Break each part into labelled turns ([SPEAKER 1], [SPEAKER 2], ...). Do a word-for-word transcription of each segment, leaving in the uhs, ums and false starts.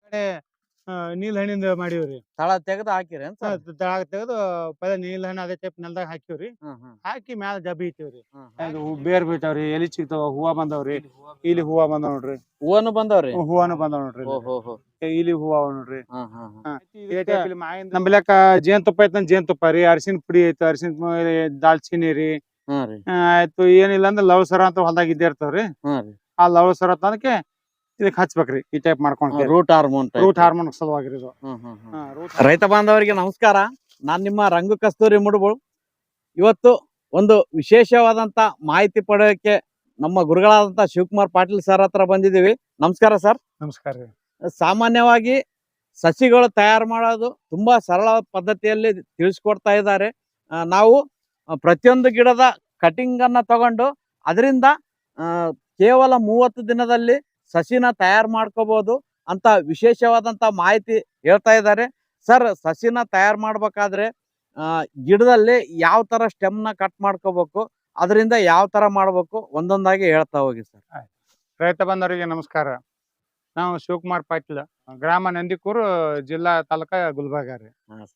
[SPEAKER 1] ಕಡೆ ಆ, ನೀಲ್ ಹಣ್ಣಿಂದ ಮಾಡೀವ್ರಿ.
[SPEAKER 2] ತಳ ತೆಗೆದು ಹಾಕಿರೇನ್
[SPEAKER 1] ಹಾ,
[SPEAKER 2] ಸರ್?
[SPEAKER 1] ತಳಗ ತೆಗೆದು ಪದ ನೀಲ್ ಹಣ್ಣು ಅದೇ ಟೈಪ್ ನೆಲದಾಗ ಹಾಕಿವ್ರಿ.
[SPEAKER 2] ಹ್ಮ್ ಹ್ಮ್
[SPEAKER 1] ಹಾಕಿ ಮ್ಯಾಲ ಜಬ್ಬಿ ಇಟ್ಟಿವ್ರಿ.
[SPEAKER 2] ಹ್ಮ್ ಹ್ಮ್.
[SPEAKER 1] ಅದು ಬೇರ್ ಬೀಳ್ತಾವ್ರಿ, ಎಲಿ ಸಿಗ್ತಾವ, ಹೂವಾ ಬಂದಾವ್ರಿ. ಇಲ್ಲಿ ಹೂವಾ ಬಂದಾವ್ ನೋಡ್ರಿ.
[SPEAKER 2] ಹೂವನು ಬಂದವ್ರಿ?
[SPEAKER 1] ಹ್ಮ್, ಹೂವಾನು ಬಂದಾವ್ ನೋಡ್ರಿ. ಇಲ್ಲಿ
[SPEAKER 2] ಓಹೋ ಹೋ.
[SPEAKER 1] ಇಲ್ಲಿ ಹೂವ ಅವ ನೋಡ್ರಿ.
[SPEAKER 2] ಹ್ಮ್ ಹ್ಮ್ ಹ್ಮ್.
[SPEAKER 1] ಹಾ, ಇದೇ ಟೈಪ್ ಇಲ್ಲಿ ಮಾವಿಂದ ನಮ್ಮಲ್ಯಾಕ ಜೇನುತುಪ್ಪ ಐತಂದ್ರ ಜೇನುತುಪ್ಪ ರೀ, ಅರಿಶಿನ ಪುಡಿ ಐತ, ಅರಿಶಿನ ದಾಲ್ಚಿನ್ನಿ ರೀ.
[SPEAKER 2] ಹ್ಮ್ ರೀ.
[SPEAKER 1] ಆ, ಆಯ್ತು ಏನಿಲ್ಲ ಅಂದ್ರ ಲವಸರ ಅಂತ ಹೊಲ್ದಾಗ ಇದ್ದೇ ಇರ್ತಾವ್ರಿ.
[SPEAKER 2] ಹ್ಮ್ ರೀ.
[SPEAKER 1] ಆ ಲವಸರ ತಂದಕ್ಕೆ ಇದಕ್ ಹಚ್ಬೇಕ್ರಿ, ಈ ಟೈಪ್ ಮಾಡ್ಕೊಂಡ್.
[SPEAKER 2] ರೂಟ್ ಹಾರ್ಮೋನ್
[SPEAKER 1] ರೂಟ್ ಹಾರ್ಮೋನ್ ಸಲುವಾಗಿ ಇದು.
[SPEAKER 2] ಹ್ಮ್ ಹ್ಮ್ ಹ್ಮ್.
[SPEAKER 1] ಹಾ, ರೂಟ್
[SPEAKER 2] ರೈತ ಬಾಂಧವರಿಗೆ ನಮಸ್ಕಾರ. ನಾನ್ ನಿಮ್ಮ ರಂಗು ಕಸ್ತೂರಿ ಮುಡುಬು. ಇವತ್ತು ಒಂದು ವಿಶೇಷವಾದಂತ ಮಾಹಿತಿ ಪಡೆಯೋಕೆ ನಮ್ಮ ಗುರುಗಳಾದಂತ ಶಿವಕುಮಾರ್ ಪಾಟೀಲ್ ಸರ್ ಹತ್ರ ಬಂದಿದ್ದೀವಿ. ನಮಸ್ಕಾರ ಸರ್.
[SPEAKER 1] ನಮಸ್ಕಾರ ರೀ.
[SPEAKER 2] ಸಾಮಾನ್ಯವಾಗಿ ಸಸಿಗಳು ತಯಾರು ಮಾಡೋದು ತುಂಬಾ ಸರಳ ಪದ್ಧತಿಯಲ್ಲಿ ತಿಳಿಸ್ಕೊಡ್ತಾ ಇದ್ದಾರೆ. ಆ, ನಾವು ಆ, ಪ್ರತಿಯೊಂದು ಗಿಡದ ಕಟಿಂಗ್ ಅನ್ನ ತಗೊಂಡು ಅದರಿಂದ ಆ, ಕೇವಲ ಮೂವತ್ತು ದಿನದಲ್ಲಿ ಸಸಿನ ತಯಾರು ಮಾಡ್ಕೋಬಹುದು ಅಂತ ವಿಶೇಷವಾದಂತ ಮಾಹಿತಿ ಹೇಳ್ತಾ ಇದ್ದಾರೆ. ಸರ್, ಸಸಿನ ತಯಾರು ಮಾಡ್ಬೇಕಾದ್ರೆ ಆ, ಗಿಡದಲ್ಲಿ ಯಾವ ತರ ಸ್ಟೆಮ್ ನ ಕಟ್ ಮಾಡ್ಕೋಬೇಕು, ಅದರಿಂದ ಯಾವ ತರ ಮಾಡ್ಬೇಕು ಒಂದೊಂದಾಗಿ ಹೇಳ್ತಾ ಹೋಗಿ ಸರ್.
[SPEAKER 1] ರೈತ ಬಂದವರಿಗೆ ನಮಸ್ಕಾರ. ನಾವು ಶಿವಕುಮಾರ್ ಪಾಟೀಲ್, ಗ್ರಾಮ ನಂದಿಕೂರು, ಜಿಲ್ಲಾ ತಾಲೂಕ ಗುಲ್ಬರ್ಗ ರೀ.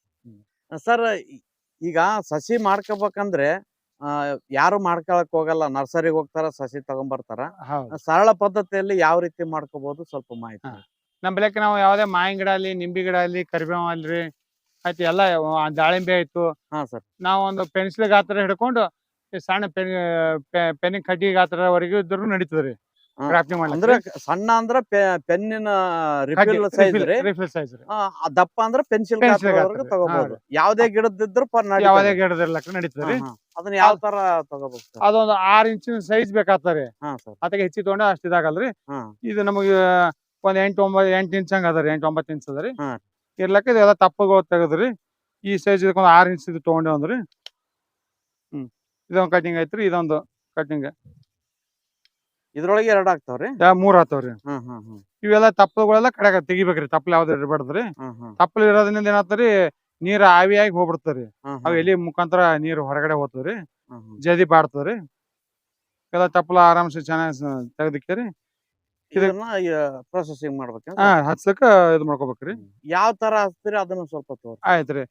[SPEAKER 2] ಸರ್, ಈಗ ಸಸಿ ಮಾಡ್ಕೋಬೇಕಂದ್ರೆ ಆ, ಯಾರು ಮಾಡ್ಕೊಳಕ್ ಹೋಗಲ್ಲ, ನರ್ಸರಿಗೆ ಹೋಗ್ತಾರ, ಸಸಿ ತಗೊಂಡ್ಬರ್ತಾರ.
[SPEAKER 1] ಹೌದು.
[SPEAKER 2] ಸರಳ ಪದ್ಧತಿಯಲ್ಲಿ ಯಾವ ರೀತಿ ಮಾಡ್ಕೋಬಹುದು ಸ್ವಲ್ಪ ಮಾಹಿತಿ.
[SPEAKER 1] ಹಾ. ನಮ್ಮ ಬೆಳಕ್ಕೆ ನಾವು ಯಾವುದೇ ಮಾವಿನ ಗಿಡ ಅಲ್ಲಿ, ನಿಂಬೆ ಗಿಡ ಅಲ್ಲಿ, ಕರಿಬೇವು ಅಲ್ರಿ, ಆಯ್ತು ಎಲ್ಲ ಆ, ದಾಳಿಂಬೆ ಆಯ್ತು.
[SPEAKER 2] ಹಾ ಸರ್.
[SPEAKER 1] ನಾವು ಒಂದು ಪೆನ್ಸಿಲ್ ಗಾತ್ರ ಹಿಡ್ಕೊಂಡು ಈ ಸಣ್ಣ ಪೆನ್ ಪೆನ್ನಿನ ಕಡ್ಡಿ ಗಾತ್ರವರೆಗೂ ಇದ್ರು ನಡೀತದ್ರಿ.
[SPEAKER 2] ಹಾ.
[SPEAKER 1] ಗ್ರಾಫ್ಟಿಂಗ್
[SPEAKER 2] ಅಂದ್ರೆ
[SPEAKER 1] ಮಾಡ್ಲಿಕ್ಕೆ
[SPEAKER 2] ಸಣ್ಣ ಅಂದ್ರ ಪೆನ್ನಿನ ರಿಫಿಲ್ ಸೈಜ್ ರೀ.
[SPEAKER 1] ರಿಫಿಲ್ ಸೈಜ್ ರೀ.
[SPEAKER 2] ಆ, ಆ ದಪ್ಪ ಅಂದ್ರ ಪೆನ್ಸಿಲ್
[SPEAKER 1] Pencil
[SPEAKER 2] ಗಾತ್ರದವರೆಗೂ
[SPEAKER 1] ಗಾತ್ರ.
[SPEAKER 2] ತಗೋಬಹುದು.
[SPEAKER 1] ಹಾ
[SPEAKER 2] ಯಾವ್ದೇ ಗಿಡದಿದ್ರು ಪರ್ ನಡೀತದೆ.
[SPEAKER 1] ಯಾವುದೇ ಗಿಡದಿರ್ಲಕ್ಕ ನಡೀತದ್ರಿ.
[SPEAKER 2] ಹಾ, ಹಾ. ಅದನ್ನ ಯಾವ ತರ ತಗೋಬೇಕು ಸರ್?
[SPEAKER 1] ಅದೊಂದು ಆರ್ ಇಂಚಿನ ಸೈಜ್ ಬೇಕಾಗ್ತದೆ.
[SPEAKER 2] ಹಾ ಸರ್.
[SPEAKER 1] ಅದಕ್ಕೆ ಹೆಚ್ಚಿ ತಗೊಂಡು ಅಷ್ಟು ಇದಾಗಲ್ರಿ.
[SPEAKER 2] ಹಾ
[SPEAKER 1] ಇದು ನಮಗೆ ಒಂದ್ ಎಂಟು ಒಂಬತ್ತು ಎಂಟು ಇಂಚ್ ಹಂಗ ಅದರಿ, ಎಂಟು ಒಂಬತ್ತು ಇಂಚ್ ಅದರಿ.
[SPEAKER 2] ಹಾ.
[SPEAKER 1] ಇರ್ಲಕ್ಕ ಇದೆಲ್ಲ ತಪ್ಪಗಳು ತೆಗದ್ರಿ. ಈ ಸೈಜ್ ಇದಕ್ಕೊಂದು ಆರ್ ಇಂಚ್ ಇದು ತಗೊಂಡೇವಂದ್ರಿ. ಹ್ಮ್, ಇದೊಂದು ಕಟಿಂಗ್ ಐತ್ರಿ, ಇದೊಂದು ಕಟಿಂಗ್
[SPEAKER 2] ಇದ್ರೊಳಗೆ ಎರಡು ಆಗ್ತಾವ್ರಿ?
[SPEAKER 1] ಮೂರ್ ಆತವ್ರಿ.
[SPEAKER 2] ಹ್ಮ್ ಹ್ಮ್ ಹ್ಮ್
[SPEAKER 1] ಇವೆಲ್ಲ ತಪ್ಪಲುಗಳೆಲ್ಲ ಕಡೆಗ ತೆಗಿಬೇಕ್ರಿ. ತಪ್ಪಲ್ ಯಾವ್ದು ಇರಬಾರ್ದ್ರಿ.
[SPEAKER 2] ಹ್ಮ್ ಹ್ಮ್
[SPEAKER 1] ತಪ್ಪಲ್ ಇರೋದ್ರಿಂದ ಏನಾಗ್ತದ್ರಿ, ನೀರ್ ಆವಿಯಾಗಿ ಹೋಗ್ಬಿಡ್ತಾರಿ.
[SPEAKER 2] ಹ್ಮ್
[SPEAKER 1] ಅವ್ ಎಲಿ ಮುಖಾಂತರ ನೀರು ಹೊರಗಡೆ ಹೋಗ್ತದ್ರಿ,
[SPEAKER 2] ಹ್ಮ್ ಹ್ಮ್.
[SPEAKER 1] ಜದಿ ಬಾಡ್ತದ್ರಿ. ಎಲ್ಲ ತಪ್ಪಲ ಆರಾಮ್ಸೆ ಚೆನ್ನಾಗಿ ತೆಗ್ದಿಕ್ಕರಿ
[SPEAKER 2] ಇದನ್ನ ಪ್ರೊಸೆಸಿಂಗ್ ಮಾಡ್ಬೇಕ?
[SPEAKER 1] ಹಾ ಹಚ್ಲಕ್ಕ ಇದು ಮಾಡ್ಕೋಬೇಕ್ರಿ.
[SPEAKER 2] ಯಾವ ತರ ಹಚ್ತೀರಿ ಅದನ್ನ ಸ್ವಲ್ಪ ತೋರಿ.
[SPEAKER 1] ಆಯ್ತ್ರಿ.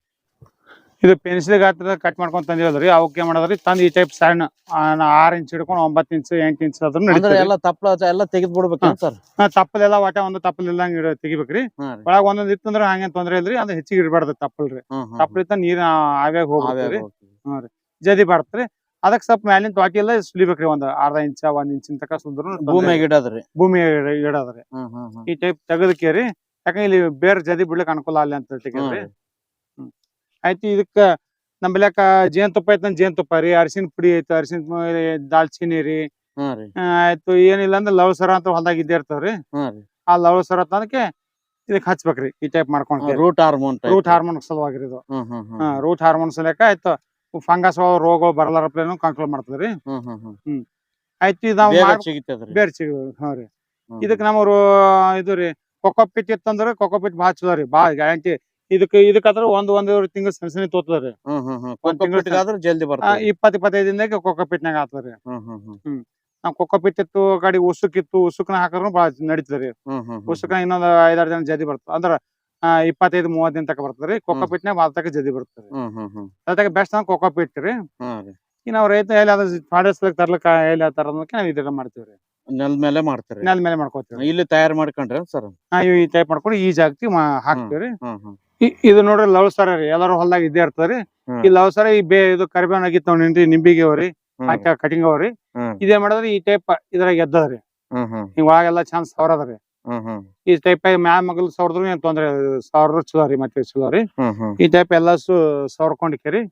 [SPEAKER 1] ಇದು ಪೆನ್ಸಿಲ್ ಗಾತ್ರ ಕಟ್ ಮಾಡ್ಕೊಂಡ್ ತಂದಿರೋದ್ರಿ. ಅವಕ್ಕೆ ಮಾಡೋದ್ರಿ ತಂದ್ ಈ ಟೈಪ್ ಸಣ್ಣ ಆರ್ ಇಂಚ್ ಹಿಡ್ಕೊಂಡು ಒಂಬತ್ತು ಇಂಚ್ ಎಂಟು ಇಂಚ್ ಅದ್ರ
[SPEAKER 2] ಅಂದ್ರೆ
[SPEAKER 1] ನಡೀತದ್ರಿ.
[SPEAKER 2] ಎಲ್ಲ ತಪ್ಪಲ ಎಲ್ಲ ತೆಗೆದ್ ಬಿಡ್ಬೇಕೇನ್ ಸರ್?
[SPEAKER 1] ಹಾ, ತಪ್ಪಲೆಲ್ಲ ಒಟ್ಟ ಒಂದು ತಪ್ಪಲ್ ಇಲ್ದಂಗ ತೆಗಿಬೇಕ್ರಿ.
[SPEAKER 2] ಹಾ ರೀ.
[SPEAKER 1] ಒಳಗ ಒಂದೊಂದ್ ಇತ್ತಂದ್ರ ಹಂಗೇನ್ ತೊಂದ್ರೆ ಇಲ್ರಿ. ಅದು ಹೆಚ್ಚಿಗೆ ಇಡಬಾರ್ದು ತಪ್ಪಲ್ರಿ.
[SPEAKER 2] ಹ್ಮ್ ಹ್ಮ್
[SPEAKER 1] ತಪ್ಪಲ್ ಇತ್ತ ನೀರ್ ಆವ್ಯಾಗ ಹೋಗ್ಬಿಡ್ತೀರಿ.
[SPEAKER 2] ಆವ್ಯಾಗ ಹೋಗ್ತದೆ.
[SPEAKER 1] ಹ್ಮ್ ರೀ, ಜದಿ ಬಾಡ್ತ್ರಿ. ಅದಕ್ಕೆ ಸ್ವಲ್ಪ ಮ್ಯಾಲಿನ ತ್ವಾಟಿ ಎಲ್ಲ ಸುಲಿಬೇಕ್ರಿ. ಒಂದ್ ಅರ್ಧ ಇಂಚ ಒಂದ್ ಇಂಚಿನ ತಕ ಸುಂದ್ರು
[SPEAKER 2] ಭೂಮಿಯಾಗ ಇಡದ್ರಿ?
[SPEAKER 1] ಭೂಮಿ ಇಡೋದ್ರಿ.
[SPEAKER 2] ಹ್ಮ್ ಹ್ಮ್ ಹ್ಮ್.
[SPEAKER 1] ಈ ಟೈಪ್ ತೆಗದಕೇರಿ, ಯಾಕಂದ್ರೆ ಇಲ್ಲಿ ಬೇರೆ ಜದಿ ಬಿಡ್ಲಿಕ್ಕೆ ಅನುಕೂಲ ಅಲ್ಲಿ ಅಂತ ತೆಗಿದ್ರಿ. ಹ್ಮ್, ಆಯ್ತು. ಇದಕ್ಕ ನಮ್ ಬೆಲ್ಯಾಕ ಜೇನುತುಪ್ಪ ಐತಂದ್ರ ಜೇನುತುಪ್ಪ ರೀ, ಅರಿಶಿನ ಪುಡಿ ಐತ, ಅರಿಶಿನ ದಾಲ್ಚಿನ್ನಿ ರೀ.
[SPEAKER 2] ಹ್ಮ್ ರೀ.
[SPEAKER 1] ಆ, ಆಯ್ತು ಏನಿಲ್ಲ ಅಂದ್ರ ಲವಸರ ಅಂತ ಹೊಲ್ದಾಗ ಇದ್ದೇ ಇರ್ತಾವ್ರಿ.
[SPEAKER 2] ಹ್ಮ್ ರೀ.
[SPEAKER 1] ಆ ಲವಸರ ತಂದಕ್ಕೆ ಇದಕ್ ಹಚ್ಬೇಕ್ರಿ, ಈ ಟೈಪ್ ಮಾಡ್ಕೊಂಡ್.
[SPEAKER 2] ರೂಟ್ ಹಾರ್ಮೋನ್
[SPEAKER 1] ರೂಟ್ ಹಾರ್ಮೋನ್ ಸಲುವಾಗಿ ಇದು.
[SPEAKER 2] ಹ್ಮ್ ಹ್ಮ್ ಹ್ಮ್
[SPEAKER 1] ರೂಟ್ ಹಾರ್ಮೋನ್ ಸಲಕ ಆಯ್ತು ಫಂಗಸ್ ರೋಗಗಳು ಬರಲಾರಪ್ಲೇನು ಕಂಟ್ರೋಲ್ ಮಾಡ್ತದ್ರಿ.
[SPEAKER 2] ಹ್ಮ್ ಹ್ಮ್ ಹ್ಮ್.
[SPEAKER 1] ಆಯ್ತು ಇದು ನಾವು
[SPEAKER 2] ಬೇಗ ಸಿಗ್ತದ್ರಿ.
[SPEAKER 1] ಬೇರೆ ಸಿಗ ಹಾ ರೀ.
[SPEAKER 2] ಹ್ಮ್.
[SPEAKER 1] ಇದಕ್ ನಮ್ಮ ಇದು ರೀ ಕೊಕೊಪಿಟ್ ಇತ್ತಂದ್ರ ಕೊಕೊಪಿಟ್ ಭಾಳ ಚಲೋ ರೀ, ಭಾಳ ಗ್ಯಾರಂಟಿ. ಇದಕ್ ಇದಕ್ಕಾದ್ರ ಒಂದ್ ಒಂದೂವರೆ ತಿಂಗಳು ಸಣ್ಣ ಸಣ್ಣ ತೋತದ್ರಿ.
[SPEAKER 2] ಹ್ಮ್ ಹ್ಮ್ ಹ್ಮ್.
[SPEAKER 1] ಒಂದ್ ತಿಂಗ್ಳು
[SPEAKER 2] ಕೊಕೊಪಿಟ್ಗಾದ್ರೆ ಜಲ್ದಿ ಬರ್ತದೆ.
[SPEAKER 1] ಇಪ್ಪತ್ ಇಪ್ಪತ್ತೈದು ದಿನದಾಗ ಕೊಕೊಪಿಟ್ನಾಗ ಆತದ್ರಿ.
[SPEAKER 2] ಹ್ಮ್ ಹ್ಮ್ ಹ್ಮ್
[SPEAKER 1] ನಾವ್ ಕೊಕೊಪಿಟ್ ಇತ್ತು, ಗಾಡಿ ಉಸುಕ್ ಇತ್ತು, ಉಸುಕ್ನ ಹಾಕಿದ್ರು ಭಾಳ ನಡೀತದ್ರಿ.
[SPEAKER 2] ಹ್ಮ್ ಹ್ಮ್.
[SPEAKER 1] ಉಸುಕ್ನ ಇನ್ನೊಂದ್ ಐದಾರು ದಿನ ಜದಿ ಬರ್ತದ ಅಂದ್ರ ಆ ಇಪ್ಪತ್ತೈದು ಮೂವತ್ ದಿನ ತಕ ಬರ್ತದ್ರಿ. ಕೊಕೊಪಿಟ್ನಾಗ ಭಾಳ ತಕ ಜದಿ ಬರ್ತದ್ರಿ.
[SPEAKER 2] ಹ್ಮ್ ಹ್ಮ್ ಹ್ಮ್.
[SPEAKER 1] ಅದಕ್ಕೆ ಬೆಸ್ಟ್ ಅಂದ್ರೆ ಕೊಕೊಪಿಟ್ ರೀ.
[SPEAKER 2] ಹ್ಮ್ ರೀ.
[SPEAKER 1] ಈಗ ನಾವ್ ರೈತ ಎಲ್ಲಿ ಅದ ಫಾರೆಸ್ಟ್ ತರ್ಲಕ್ಕ ಎಲ್ಲಿ ತರೋದಕ್ಕೆ ನಾವ್ ಇದೆಲ್ಲ ಮಾಡ್ತೀವ್ರಿ.
[SPEAKER 2] ನೆಲದ ಮೇಲೆ ಮಾಡ್ತೀರಿ?
[SPEAKER 1] ನೆಲ ಮೇಲೆ ಮಾಡ್ಕೋತೀವಿ.
[SPEAKER 2] ಇಲ್ಲಿ ತಯಾರು ಮಾಡ್ಕೊಂಡ್ರಿ ಸರ್?
[SPEAKER 1] ಹಾ, ಇವ್ ಈ ಟೈಪ್ ಮಾಡ್ಕೊಂಡು ಈ ಜಾಗಕ್ಕೆ ಹಾಕ್ತಿವ್ರಿ.
[SPEAKER 2] ಹ್ಮ್ ಹ್ಮ್.
[SPEAKER 1] ಇ- ಇದು ನೋಡ್ರಿ ಲವಸರ ರೀ, ಎಲ್ಲಾರು ಹೊಲ್ದಾಗ ಇದ್ದೇ ಇರ್ತದ್ರಿ.
[SPEAKER 2] ಹ್ಮ್.
[SPEAKER 1] ಈ ಲವಸರ ಈ ಬೇ ಇದು ಕರಿಬೇವನ್ ಆಗಿತ್ತು ನಿಂದ್ರಿ, ನಿಂಬಿಗೆ ಅವ್ರಿ,
[SPEAKER 2] ಹ್ಮ್.
[SPEAKER 1] ಹಾಕಿ ಕಟಿಂಗ್ ಅವ್ರಿ.
[SPEAKER 2] ಹ್ಮ್.
[SPEAKER 1] ಇದೇ ಮಾಡಿದ್ರೆ ಈ ಟೈಪ್ ಇದ್ರಾಗ ಎದ್ದದ್ರಿ.
[SPEAKER 2] ಹ್ಮ್ ಹ್ಮ್
[SPEAKER 1] ಹಿಂಗ್ ಒಳಗೆಲ್ಲ ಚಂದ ಸವರದ್ರಿ.
[SPEAKER 2] ಹ್ಮ್ ಹ್ಮ್
[SPEAKER 1] ಈ ಟೈಪ್ ಮ್ಯಾ ಮಗಲ್ ಸವರದ್ರು ಏನ್ ತೊಂದ್ರೆ ಸವರ ಚಲೋ ರೀ, ಮತ್ತೆ ಚಲೋ ರೀ.
[SPEAKER 2] ಹ್ಮ್ ಹ್ಮ್.
[SPEAKER 1] ಈ ಟೈಪ್ ಎಲ್ಲ ಸು ಸವರ್ಕೊಂಡಿಕೇರಿ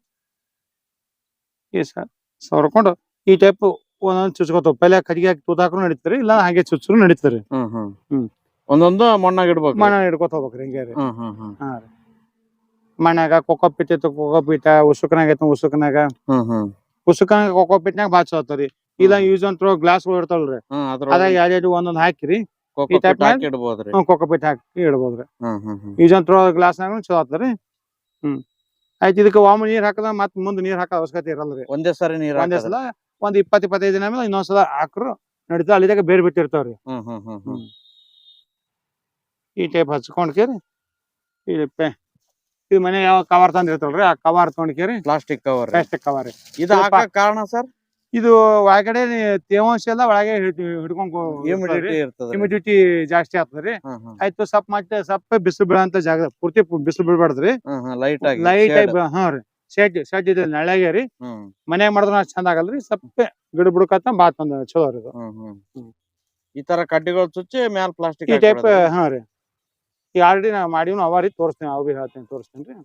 [SPEAKER 1] ಈ ಸ ಸವರ್ಕೊಂಡು ಈ ಟೈಪ್ ಒಂದೊಂದ್ ಚುಚ್ಕೋತಾವ. ಪೆಲೆ ಕಟ್ಟಿಗೆ ಹಾಕಿ ತೂತಾಕ್ರು ನಡೀತಾರೆ, ಇಲ್ಲ ಹಂಗೆ ಚುಚ್ಚರು ನಡೀತಾರೆ.
[SPEAKER 2] ಹ್ಮ್ ಹ್ಮ್
[SPEAKER 1] ಹ್ಮ್.
[SPEAKER 2] ಒಂದೊಂದು ಮಣ್ಣಾಗ ಇಡ್ಬೇಕು?
[SPEAKER 1] ಮಣ್ಣ ಹಿಡ್ಕೊತ ಹೋಗ್ಬೇಕ್ರಿ ಹಿಂಗೆ ರೀ.
[SPEAKER 2] ಹ್ಮ್ ಹ್ಮ್ ಹ್ಮ್.
[SPEAKER 1] ಹಾ ರೀ. ಮಣ್ಣಾಗ ಕೊಕೊಪಿಟ್ ಇತ್ತು, ಕೊಕೊಪಿಟ ಉಸುಕನಾಗ ಐತ, ಉಸುಕನಾಗ
[SPEAKER 2] ಹ್ಮ್ ಹ್ಮ್.
[SPEAKER 1] ಉಸುಕನಾಗ ಕೊಕೊಪಿಟ್ನಾಗ ಬಾಚ್ ಹೋಗ್ತಾವ್ರಿ. ಇಲ್ಲ ಯೂಸ್ ಅಂಡ್ ಥ್ರೋ ಗ್ಲಾಸ್ ಗಳು ಇರ್ತಾವಲ್ರಿ,
[SPEAKER 2] ಹ್ಮ್.
[SPEAKER 1] ಅದಾಗ
[SPEAKER 2] ಅದ್ರೊಳಗೆ
[SPEAKER 1] ಎರಡೆರಡು ಒಂದೊಂದ್ ಹಾಕಿರಿ
[SPEAKER 2] ಕೊಕೊಪಿಟ್
[SPEAKER 1] type
[SPEAKER 2] ಹಾಕಿ ಇಡ್ಬೋದ್ರಿ?
[SPEAKER 1] ಕೊಕೊಪಿಟ್ ಹಾಕಿ ಇಡ್ಬೋದ್ರಿ.
[SPEAKER 2] ಹ್ಮ್ ಹ್ಮ್ ಹ್ಮ್.
[SPEAKER 1] ಯೂಸ್ ಅಂಡ್ ಥ್ರೋ ಗ್ಲಾಸ್ನಾಗ ಚಲೋ ಆಗ್ತದ್ರಿ. ಹ್ಮ್, ಆಯ್ತು. ಇದಕ್ಕೆ ಒಮ್ಮೆ ನೀರ್ ಹಾಕದ ಮತ್ ಮುಂದ್ ನೀರ್ ಹಾಕೋ ಅವಶ್ಯಕತೆ ಇರಲ್ರಿ.
[SPEAKER 2] ಒಂದೇ ಸಾರಿ ನೀರ್
[SPEAKER 1] ಒಂದೇ
[SPEAKER 2] ಹಾಕೋದ್ರಿ?
[SPEAKER 1] ಸಲ ಒಂದ್ ಇಪ್ಪತ್ ಇಪ್ಪತ್ತೈದು ದಿನ ಆಮೇಲೆ ಇನ್ನೊಂದ್ಸಲ ಹಾಕ್ರು ನಡೀತಾವ. ಅಲ್ಲಿದಾಗ ಬೇರೆ ಬಿಟ್ಟಿರ್ತಾವ್ರಿ.
[SPEAKER 2] ಹ್ಮ್ ಹ್ಮ್ ಹ್ಮ್ ಹ್ಮ್.
[SPEAKER 1] ಈ ಟೈಪ್ ಹಚ್ಕೊಂಡ್ಕೇರಿ ಈ ಪೆ- ಇದು ಮನೆ ಯಾವ ಕವರ್ ತಂದಿರ್ತಾವಲ್ರಿ ಆ ಕವರ್ ತೊಗೊಂಡ್ಕೇರಿ
[SPEAKER 2] ಪ್ಲಾಸ್ಟಿಕ್ ಕವರ್
[SPEAKER 1] ಪ್ಲಾಸ್ಟಿಕ್ ಕವರ್
[SPEAKER 2] ಇದು ಹಾಕ ಕಾರಣ ಸರ್
[SPEAKER 1] ಇದು ಒಳಗಡೆ ತೇವಾಂಶ ಎಲ್ಲ ಒಳಗೆ ಹಿಡ್ಕೊಂಡ್
[SPEAKER 2] ಹ್ಯೂಮಿಡಿಟಿ ಇರ್ತದೆ
[SPEAKER 1] ಹ್ಯೂಮಿಡಿಟಿ ಜಾಸ್ತಿ ಆಗ್ತದ್ರಿ ಆಯ್ತು ಸ್ವಲ್ಪ ಮತ್ತೆ ಸ್ವಲ್ಪ ಬಿಸಿಲು ಬೀಳಂತ ಜಾಗ ಪೂರ್ತಿ ಬಿಸಿಲು ಬೀಳ್ಬಾರ್ದ್ರಿ
[SPEAKER 2] ಲೈಟ್ ಆಗಿ
[SPEAKER 1] ಲೈಟ್ ಆಗಿ ಹಾ ರೀ ಶೆಡ್ ಶೆಡ್ ಇದೆ ನೆಳಗೆ ರೀ ಮನ್ಯಾಗ ಮಾಡಿದ್ರ ಅಷ್ಟ್ ಚಂದ ಆಗಲ್ರಿ ಸ್ವಲ್ಪ ಗಿಡ ಬಿಡ್ಕತ್ತ ಬಾತ್ ಒಂದ್ ಚಲೋ ರೀ ಇದು.
[SPEAKER 2] ಈ ತರ ಕಡ್ಡಿಗಳು ಚುಚ್ಚಿ ಮ್ಯಾಲ ಪ್ಲಾಸ್ಟಿಕ್
[SPEAKER 1] ಈ ಟೈಪ್ ಹಾ ರೀ ಈಗ ಆಲ್ರೆಡಿ ನಾ ಮಾಡಿವ್ನು ಅವ ರೀ ತೋರಿಸ್ತೀನಿ ಅವ್ ಬಿ ಹೇಳ್ತೀನಿ ತೋರಿಸ್ತೀನಿ ರೀ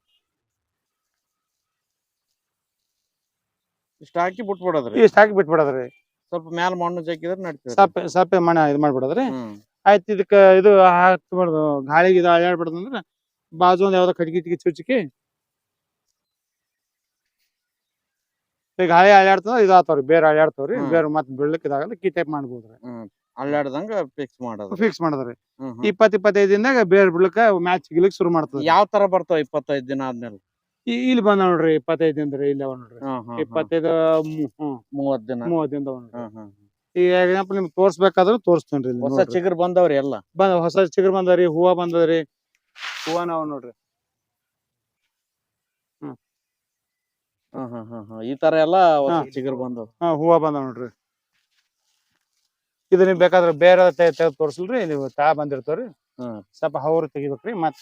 [SPEAKER 2] ಇಷ್ಟ ಹಾಕಿ ಬಿಟ್ಬಿಡೋದ್ರಿ
[SPEAKER 1] ಇಷ್ಟ ಹಾಕಿ ಬಿಟ್ಬಿಡೋದ್ರಿ
[SPEAKER 2] ಸ್ವಲ್ಪ ಮ್ಯಾಲ ಮಣ್ಣು ಜಗ್ಗಿದ್ರೆ ನಡ್ತೀವಿ
[SPEAKER 1] ಸಪ್ಪೆ ಸಪ್ಪೆ ಮಣ್ಣ ಇದು ಮಾಡ್ಬಿಡೋದ್ರಿ ಆಯ್ತು ಇದಕ್ಕ ಇದು ಹಾಕ್ಬಾರ್ದು ಗಾಳಿಗೆ ಇದು ಅಳ್ಳಾಡ್ಬಾರ್ದು ಅಂದ್ರ ಬಾಜು ಒಂದ್ ಯಾವ್ದೋ ಕಟ್ಗಿ ಗಿಟ್ಗಿ ಚುಚ್ಚಿಕಿ ಈಗ ಗಾಳಿ ಅಳ್ಳಾಡ್ತದ ಇದು ಆತಾವ್ರಿ ಬೇರೆ ಅಳ್ಳಾಡ್ತಾವ್ರಿ ಬೇರೆ ಮತ್ ಬೀಳ್ಲಿಕ್ಕೆ ಇದಾಗಲ್ಲ ಕಿ ಟೈಪ್ ಮಾಡ್ಬೋದ್ರಿ
[SPEAKER 2] ಅಳ್ಳಾಡ್ದಂಗ ಫಿಕ್ಸ್ ಮಾಡೋದು
[SPEAKER 1] ಫಿಕ್ಸ್ ಮಾಡೋದ್ರಿ ಇಪ್ಪತ್ ಇಪ್ಪತ್ತೈದು ದಿನದಾಗ ಬೇರೆ ಬಿಡ್ಲಿಕ್ಕ ಮ್ಯಾಚ್ ಗಿಲಿಕ್ ಶುರು ಮಾಡ್ತದ
[SPEAKER 2] ಯಾವ ತರ ಬರ್ತಾವ ಇಪ್ಪತ್ತೈದು ದಿನ ಆದ್ಮೇಲೆ
[SPEAKER 1] ಇಲ್ಲಿ ಬಂದ ನೋಡ್ರಿ ಇಪ್ಪತ್ತೈದು ದಿನದ್ರಿ ಇಲ್ಲಿ ಅವ ನೋಡ್ರಿ ಇಪ್ಪತ್ತೈದು
[SPEAKER 2] ಮೂವತ್ ದಿನ
[SPEAKER 1] ಮೂವತ್ ದಿನದ ಈಗ ಎಕ್ಸಾಂಪಲ್ ನಿಮ್ಗೆ ತೋರ್ಸ್ಬೇಕಾದ್ರೂ ತೋರಿಸ್ತೇನ್ರಿ ಇಲ್ಲಿ
[SPEAKER 2] ಹೊಸ ಚಿಗುರ್ ಬಂದವ್ರಿ ಎಲ್ಲ
[SPEAKER 1] ಬಂದ ಹೊಸ ಚಿಗುರ್ ಬಂದವ್ರಿ ಹೂವ ಬಂದದ್ರಿ ಹೂವ ನಾವ್ ನೋಡ್ರಿ
[SPEAKER 2] ಈ ತರ ಎಲ್ಲಾ ಹೊಸ ಚಿಗುರ್ ಬಂದವ್
[SPEAKER 1] ಹಾ ಹೂವ ಬಂದವ್ ನೋಡ್ರಿ ಇದು ನಿಮ್ ಬೇಕಾದ್ರೆ ಬೇರೆ ತೆಗೆದು ತೋರ್ಸಲ್ರಿ ನೀವು ತಾ ಬಂದಿರ್ತಾವ್ರಿ ಸ್ವಲ್ಪ ಹೌರು ತೆಗಿಬೇಕ್ರಿ ಮತ್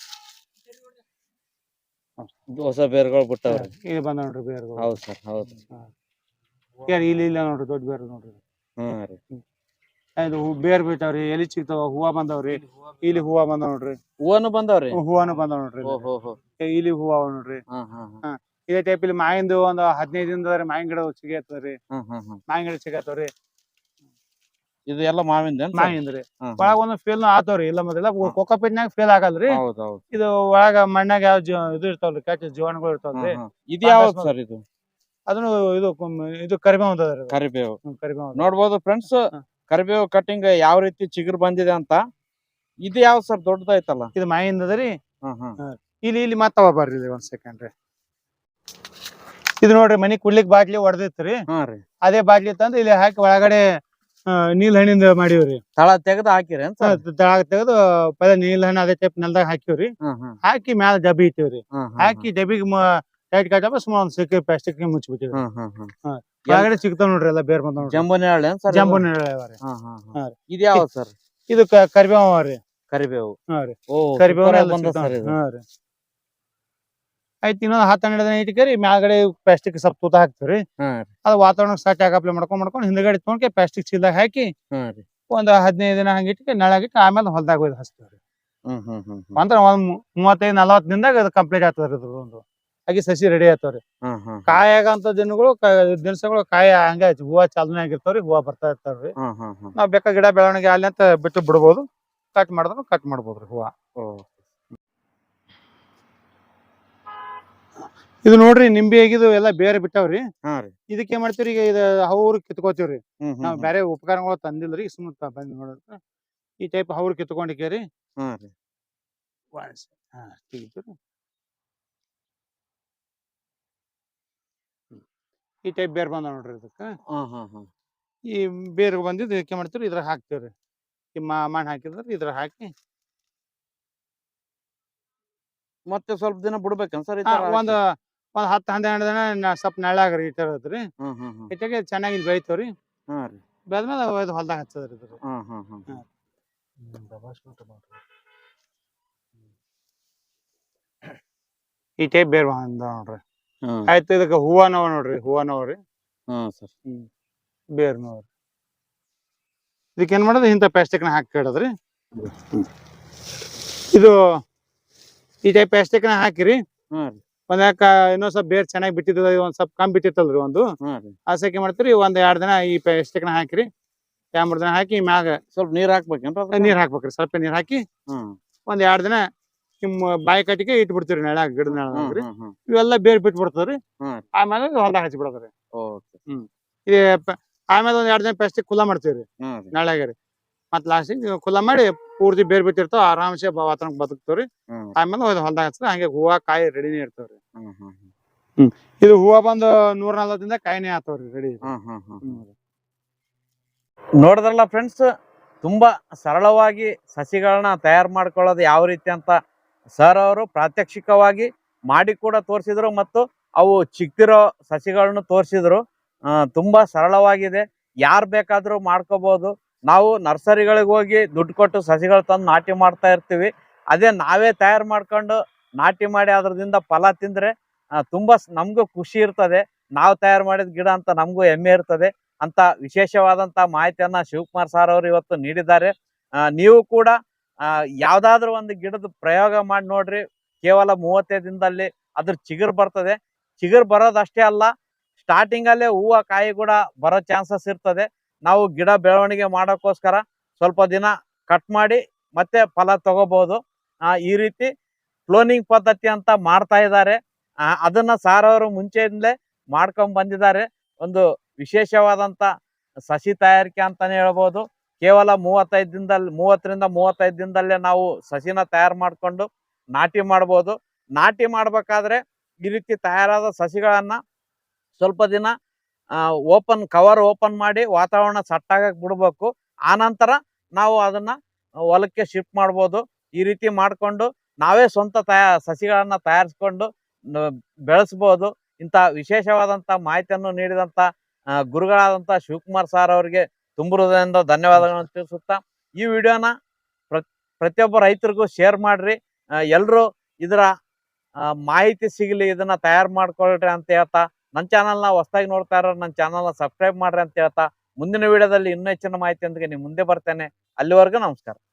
[SPEAKER 2] ಹೊಸ ಬೇರ್ಗಳು ಬಿಟ್ಟವ್ರಿ
[SPEAKER 1] ಇಲ್ಲಿ ಬಂದ ನೋಡ್ರಿ ಬೇರ್ಗಳು
[SPEAKER 2] ಹೌದ್ ಸರ್ ಹೌದು
[SPEAKER 1] ಇಲ್ಲಿ ಇಲ್ಲ ನೋಡ್ರಿ ದೊಡ್ಡ ಬೇರ್ ನೋಡ್ರಿ
[SPEAKER 2] ಹ್ಮ್ ರೀ
[SPEAKER 1] ಇದು ಬೇರ್ ಬಿಟ್ಟಾವ್ರಿ ಎಲಿ ಸಿಗ್ತಾವ ಹೂವ ಬಂದವ್ರಿ ಇಲ್ಲಿ ಹೂವ ಬಂದವ್ ನೋಡ್ರಿ
[SPEAKER 2] ಹೂವನು ಬಂದವ್ರಿ
[SPEAKER 1] ಹೂವನು ಬಂದವ್ ನೋಡ್ರಿ ಇಲ್ಲಿ ಹೂವ ನೋಡ್ರಿ ಇದೇ ಟೈಪ್ ಇಲ್ಲಿ ಮಾವಿಂದು ಒಂದ್ ಹದಿನೈದು ದಿನದ ಮಾವಿನ ಗಿಡ ಸಿಗತ್ತವ್ರಿ ಮಾವಿನ ಗಿಡ ಸಿಗತ್ತವ್ರಿ
[SPEAKER 2] ಇದು ಎಲ್ಲ ಮಾವಿಂದ
[SPEAKER 1] ಮಾವಿಂದ್ರಿ ಒಳಗ ಒಂದ್ ಫೇಲ್ ಆತವ್ರಿ ಇಲ್ಲ ಮೊದಲ ಕೊಕ್ಕಪಿಟ್ನಾಗ ಫೇಲ್ ಆಗಲ್ರಿ ಇದು ಒಳಗ ಮಣ್ಣಾಗ ಯಾವ ಇದು ಇರ್ತಾವ್ರಿ ಕೆಟ್ಟ ಜೀವಾಣುಗಳು ಇರ್ತಾವ್ರಿ
[SPEAKER 2] ಇದು ಯಾವ್ದು ಸರ್ ಇದು
[SPEAKER 1] ಅದನ್ನು ಇದು ಇದು ಕರಿಬೇವು ಅಂತದ್ರಿ
[SPEAKER 2] ಕರಿಬೇವು
[SPEAKER 1] ಕರಿಬೇವು
[SPEAKER 2] ನೋಡ್ಬೋದು ಫ್ರೆಂಡ್ಸ್ ಕರಿಬೇವು ಕಟಿಂಗ್ ಯಾವ ರೀತಿ ಚಿಗುರು ಬಂದಿದೆ ಅಂತ ಇದು ಯಾವ ಸರ್ ದೊಡ್ಡದೈತಲ್ಲ
[SPEAKER 1] ಇದು ಮಾವಿಂದದ್ರಿ ಇಲ್ಲಿ ಇಲ್ಲಿ ಮತ್ತವ ಬರ್ರಿ ಒಂದ್ ಸೆಕೆಂಡ್ ರೀ ಇದು ನೋಡ್ರಿ ಮನಿ ಕುಡ್ಲಿಕ್ ಬಾಟ್ಲಿ ಹೊಡೆದಿತ್ರಿ ಅದೇ ಬಾಟ್ಲಿ ತಂದು ಇಲ್ಲಿ ಹಾಕಿ ಒಳಗಡೆ ನೀಲ್ ಹಣ್ಣಿಂದ ಮಾಡಿವ್ರಿ
[SPEAKER 2] ತಳ ತೆಗೆದು ಹಾಕಿರಿ
[SPEAKER 1] ತಳಗ ತೆಗೆದು ಪದ ನೀಲ್ ಹಣ್ಣು ಅದೇ ಟೈಪ್ ನೆಲ್ದಾಗ ಹಾಕಿವ್ರಿ ಹಾಕಿ ಮ್ಯಾಲ ಡಬ್ಬಿ ಇಟ್ಟಿವ್ರಿ ಹಾಕಿ ಡಬ್ಬಿಗೆ ಟೈಟ್ ಕಟ್ಟಪ್ಪ ಸುಮಾರು ಒಂದ್ ಸಿಕ್ಕಿ ಪ್ಲಾಸ್ಟಿಕ್ ಮುಚ್ಚಿಬಿಟ್ಟಿವ್ರಿ ಒಳಗಡೆ ಸಿಗ್ತಾವ ನೋಡ್ರಿ ಎಲ್ಲ ಬೇರೆ ಬಂದ
[SPEAKER 2] ಜಂಬೂನಿ ಹಳ್ಳಿ
[SPEAKER 1] ಜಂಬೂ
[SPEAKER 2] ಇದು ಯಾವ ಸರ್
[SPEAKER 1] ಇದು ಕರಿಬೇವು ರೀ
[SPEAKER 2] ಕರಿಬೇವು
[SPEAKER 1] ಹಾ ರೀ ಕರಿಬೇವು ಹಾ ರೀ ಆಯ್ತು ಇನ್ನೊಂದ್ ಹತ್ತು ಹನ್ನೆರಡು ದಿನ ಇಟ್ಕರಿ ಮ್ಯಾಲ್ಗಡೆ ಪ್ಲಾಸ್ಟಿಕ್ ಸ್ವಲ್ಪ ತೂತ ಹಾಕ್ತಿವ್ರಿ ಅದು ವಾತಾವರಣ ಸಟ್ ಆಗಪ್ಲೆ ಮಾಡ್ಕೊಂಡ್ ಮಾಡ್ಕೊಂಡು ಹಿಂದ್ಗಡೆ ತೊಗೊಂಡ್ಕೆ ಪ್ಲಾಸ್ಟಿಕ್ ಚೀಲದಾಗ ಹಾಕಿ ಒಂದ್ ಹದಿನೈದು ದಿನ ಹಂಗಿಟ್ಕೆ ನೆಳಗಿಟ್ಟು ಆಮೇಲೆ ಹೊಲ್ದಾಗ ಒಯ್ದು ಹಚ್ತೀವ್ರಿ ಅಂದ್ರ ಒಂದ್ ಮೂವತ್ತೈದು ನಲವತ್ತು ದಿನದಾಗ ಅದು ಕಂಪ್ಲೀಟ್ ಆಗ್ತದ್ರಿ ಅದು ಒಂದು ಹಾಗೆ ಸಸಿ ರೆಡಿ ಆಗ್ತಾವ್ರಿ ಕಾಯಾಗಂತ ದಿನಗಳು ದಿನಸಗಳು ಕಾಯ ಹಂಗ ಹೂವ ಚಾಲನೆ ಆಗಿರ್ತಾವ್ರಿ ಹೂವ ಬರ್ತಾ ಇರ್ತಾವ್ರಿ ನಾವ್ ಬೇಕಾ ಗಿಡ ಬೆಳವಣಿಗೆ ಅಲ್ಲಿ ಅಂತ ಬಿಟ್ಟು ಬಿಡ್ಬೋದು ಕಟ್ ಮಾಡಿದ್ರು ಕಟ್ ಮಾಡ್ಬೋದ್ರಿ ಹೂವ ಇದು ನೋಡ್ರಿ ನಿಂಬೆ ಆಗಿದು ಎಲ್ಲಾ ಬೇರೆ ಬಿಟ್ಟಾವ್ರಿ ಇದಕ್ಕೆ ಏನ್ ಮಾಡ್ತೀವ್ರಿ ಈಗ ಇದು ಹೌರು ಕಿತ್ಕೋತೀವ್ರಿ ನಾವ್ ಬೇರೆ ಉಪಕರಣಗಳು ತಂದಿಲ್ರಿ ಸುಮ್ಮನೆ ಬಂದ್ ನೋಡ್ರಿ ಈ ಟೈಪ್ ಹೌರು ಕಿತ್ಕೊಂಡಿಕೇರಿ ಈ ಟೈಪ್ ಬೇರ್ ಬಂದ ನೋಡ್ರಿ ಇದಕ್ಕ ಈ ಬೇರ್ ಬಂದಿದ್ದು ಇದಕ್ಕೆ ಮಾಡ್ತೀವ್ರಿ ಇದ್ರ ಹಾಕ್ತಿವ್ರಿ ಈ ಮಣ್ಣ್ ಹಾಕಿದ್ರ ಇದ್ರ ಹಾಕಿ
[SPEAKER 2] ಮತ್ತೆ ಸ್ವಲ್ಪ ದಿನ ಬಿಡ್ಬೇಕನ್ ಸರ್
[SPEAKER 1] ಒಂದ್ ಒಂದ್ ಹತ್ತು ಹನ್ನೆರಡು ದಿನ ಸ್ವಲ್ಪ ನೆಳ್ಳಾಗ್ರಿ ಇಟ್ಟಿರತ್ರಿ ಇಟ್ಟಾಗ ಚೆನ್ನಾಗಿ ಬೆಳಿತಾವ್ರಿ ಬೆಳ್ದ್ಮೇಲೆ ಒಯ್ದು ಹೊಲ್ದಾಗ ಹಚ್ಚದ್ರಿ ಇದ್ರ ಈ ಟೈಪ್ ಬೇರ್ ಬಂದ ನೋಡ್ರಿ ಆಯ್ತು ಇದಕ್ಕ ಹೂವ ನೋವ್ ನೋಡ್ರಿ ಹೂವ ನೋವ್ರಿ ಬೇರ್ ನೋವ್ರಿ ಇದಕ್ಕೆ ಏನ್ ಮಾಡೋದು ಇಂಥ ಪ್ಲಾಸ್ಟಿಕ್ ನ ಹಾಕಿ ಇಡೋದ್ರಿ ಇದು ಈ ಟೈಪ್ ಪ್ಲಾಸ್ಟಿಕ್ ನ ಹಾಕಿರಿ ಒಂದ್ ಯಾಕ ಇನ್ನೊಂದ್ ಸ್ವಲ್ಪ ಬೇರ್ ಚೆನ್ನಾಗಿ ಬಿಟ್ಟಿದ ಒಂದ್ ಸ್ವಲ್ಪ ಕಮ್ಮಿ ಬಿಟ್ಟಿತ್ತಲ್ರಿ ಒಂದು ಆಸಕ್ಕೆ ಮಾಡ್ತೀರಿ ಒಂದ್ ಎರಡ್ ದಿನ ಈ ಪ್ಲಾಸ್ಟಿಕ್ ನ ಹಾಕಿರಿ ಎರಡ್ ಮೂರ್ ದಿನ ಹಾಕಿ ಮ್ಯಾಗ
[SPEAKER 2] ಸ್ವಲ್ಪ ನೀರ್ ಹಾಕ್ಬೇಕೇನ್ರ
[SPEAKER 1] ನೀರ್ ಹಾಕ್ಬೇಕ್ರಿ ಸ್ವಲ್ಪ ನೀರ್ ಹಾಕಿ ಒಂದ್ ಎರಡ್ ದಿನ ನಿಮ್ ಬಾಯಿ ಕಟ್ಟಿಗೆ ಇಟ್ ಬಿಡ್ತೀರಿ ನೆಳಾಗ ಗಿಡದ ನೆಳಾಗ್ರಿ ಇವೆಲ್ಲ ಬೇರ್ ಬಿಟ್ಟು ಬಿಡ್ತಾವ್ರಿ ಆಮೇಲೆ ಹೊಲ್ದಾಗ ಹಚ್ಚಿ ಬಿಡೋದ್ರಿ ಹ್ಮ್ ಈ ಆಮೇಲೆ ಒಂದ್ ಎರಡ್ ದಿನ ಪ್ಲಾಸ್ಟಿಕ್ ಖುಲ್ಲಾ ಮಾಡ್ತೀವ್ರಿ ನೆಳಾಗ್ರಿ ಮತ್ ಲಾಸ್ಟಿಗೆ ಖುಲ್ಲಾ ಮಾಡಿ ಪೂರ್ತಿ ಬೇರ್ ಬಿಟ್ಟಿರ್ತಾವ ಆರಾಮ್ಸೆ ವಾತಾವರಣ ಬದುಕ್ತಾವ್ರಿ ಆಮೇಲೆ ಹೊಲ್ದಾಗ ಹಚ್ಚ ಹಂಗೆ ಹೂವ ಕಾಯಿ ರೆಡಿನೇ ಇರ್ತಾವ್ರಿ ಹ್ಮ್ ಇದು ಹೂವ ಬಂದು ನೂರ ನಲ್ವತ್ತರಿಂದ ಕಾಯಿನೇ ಆತಾವ್ರಿ ರೆಡಿ
[SPEAKER 2] ನೋಡಿದ್ರಲ್ಲ ಫ್ರೆಂಡ್ಸ್ ತುಂಬಾ ಸರಳವಾಗಿ ಸಸಿಗಳನ್ನ ತಯಾರು ಮಾಡ್ಕೊಳ್ಳೋದು ಯಾವ ರೀತಿ ಅಂತ ಸರ್ ಅವರು ಪ್ರಾತ್ಯಕ್ಷಿಕವಾಗಿ ಮಾಡಿ ಕೂಡ ತೋರಿಸಿದ್ರು ಮತ್ತು ಅವು ಚಿಕ್ತಿರೋ ಸಸಿಗಳನ್ನು ತೋರಿಸಿದ್ರು. ತುಂಬಾ ಸರಳವಾಗಿದೆ, ಯಾರು ಬೇಕಾದ್ರೂ ಮಾಡ್ಕೋಬಹುದು. ನಾವು ನರ್ಸರಿಗಳಿಗೆ ಹೋಗಿ ದುಡ್ಡು ಕೊಟ್ಟು ಸಸಿಗಳು ತಂದು ನಾಟಿ ಮಾಡ್ತಾ ಇರ್ತೀವಿ. ಅದೇ ನಾವೇ ತಯಾರು ಮಾಡ್ಕೊಂಡು ನಾಟಿ ಮಾಡಿ ಅದರಿಂದ ಫಲ ತಿಂದ್ರೆ ತುಂಬಾ ನಮಗೂ ಖುಷಿ ಇರ್ತದೆ. ನಾವು ತಯಾರು ಮಾಡಿದ ಗಿಡ ಅಂತ ನಮಗೂ ಹೆಮ್ಮೆ ಇರ್ತದೆ ಅಂತ ವಿಶೇಷವಾದಂತ ಮಾಹಿತಿಯನ್ನ ಶಿವಕುಮಾರ್ ಸರ್ ಅವರು ಇವತ್ತು ನೀಡಿದ್ದಾರೆ. ನೀವು ಕೂಡ ಯಾವ್ದಾದ್ರು ಒಂದು ಗಿಡದ ಪ್ರಯೋಗ ಮಾಡಿ ನೋಡ್ರಿ. ಕೇವಲ ಮೂವತ್ತೈದು ದಿನದಲ್ಲಿ ಅದ್ರ ಚಿಗುರು ಬರ್ತದೆ. ಚಿಗುರು ಬರೋದಷ್ಟೇ ಅಲ್ಲ, ಸ್ಟಾರ್ಟಿಂಗ್ ಅಲ್ಲೇ ಹೂವು ಕಾಯಿ ಕೂಡ ಬರೋ ಚಾನ್ಸಸ್ ಇರ್ತದೆ. ನಾವು ಗಿಡ ಬೆಳವಣಿಗೆ ಮಾಡೋಕ್ಕೋಸ್ಕರ ಸ್ವಲ್ಪ ದಿನ ಕಟ್ ಮಾಡಿ ಮತ್ತೆ ಫಲ ತಗೋಬಹುದು. ಈ ರೀತಿ ಕ್ಲೋನಿಂಗ್ ಪದ್ಧತಿ ಅಂತ ಮಾಡ್ತಾ ಇದ್ದಾರೆ. ಅದನ್ನ ಸಾರ್ ಅವರು ಮುಂಚೆಯಿಂದಲೇ ಮಾಡ್ಕೊಂಡ್ ಬಂದಿದ್ದಾರೆ. ಒಂದು ವಿಶೇಷವಾದಂತ ಸಸಿ ತಯಾರಿಕೆ ಅಂತಾನೆ ಹೇಳ್ಬೋದು. ಕೇವಲ ಮೂವತ್ತೈದು ದಿನದಲ್ಲಿ ಮೂವತ್ತರಿಂದ ಮೂವತ್ತೈದು ದಿನದಲ್ಲೇ ನಾವು ಸಸಿನ ತಯಾರು ಮಾಡ್ಕೊಂಡು ನಾಟಿ ಮಾಡ್ಬೋದು. ನಾಟಿ ಮಾಡ್ಬೇಕಾದ್ರೆ ಈ ರೀತಿ ತಯಾರಾದ ಸಸಿಗಳನ್ನ ಸ್ವಲ್ಪ ದಿನ ಓಪನ್ ಕವರ್ ಓಪನ್ ಮಾಡಿ ವಾತಾವರಣ ಸಟ್ಟಾಗಕ್ಕೆ ಬಿಡ್ಬೇಕು. ಆನಂತರ ನಾವು ಅದನ್ನ ಹೊಲಕ್ಕೆ ಶಿಫ್ಟ್ ಮಾಡ್ಬೋದು. ಈ ರೀತಿ ಮಾಡ್ಕೊಂಡು ನಾವೇ ಸ್ವಂತ ತಯಾ ಸಸಿಗಳನ್ನ ತಯಾರಿಸ್ಕೊಂಡು ಬೆಳೆಸ್ಬೋದು. ಇಂಥ ವಿಶೇಷವಾದಂತ ಮಾಹಿತಿಯನ್ನು ನೀಡಿದಂತ ಗುರುಗಳಾದಂತ ಶಿವಕುಮಾರ್ ಸರ್ ಅವರಿಗೆ ತುಂಬ ಹೃದಯದಿಂದ ಧನ್ಯವಾದಗಳನ್ನು ತಿಳಿಸುತ್ತಾ ಈ ವಿಡಿಯೋನ ಪ್ರತಿಯೊಬ್ಬ ರೈತರಿಗೂ ಶೇರ್ ಮಾಡ್ರಿ. ಎಲ್ಲರೂ ಇದರ ಮಾಹಿತಿ ಸಿಗಲಿ, ಇದನ್ನ ತಯಾರು ಮಾಡ್ಕೊಳ್ರಿ ಅಂತ ಹೇಳ್ತಾ, ನನ್ನ ಚಾನಲ್ನ ಹೊಸದಾಗಿ ನೋಡ್ತಾ ಇರೋ ನನ್ನ ಚಾನಲ್ನ ಸಬ್ಸ್ಕ್ರೈಬ್ ಮಾಡ್ರಿ ಅಂತ ಹೇಳ್ತಾ ಮುಂದಿನ ವಿಡಿಯೋದಲ್ಲಿ ಇನ್ನೂ ಹೆಚ್ಚಿನ ಮಾಹಿತಿಯೊಂದಿಗೆ ನಿಮ್ಮ ಮುಂದೆ ಬರ್ತೇನೆ. ಅಲ್ಲಿವರೆಗೂ ನಮಸ್ಕಾರ.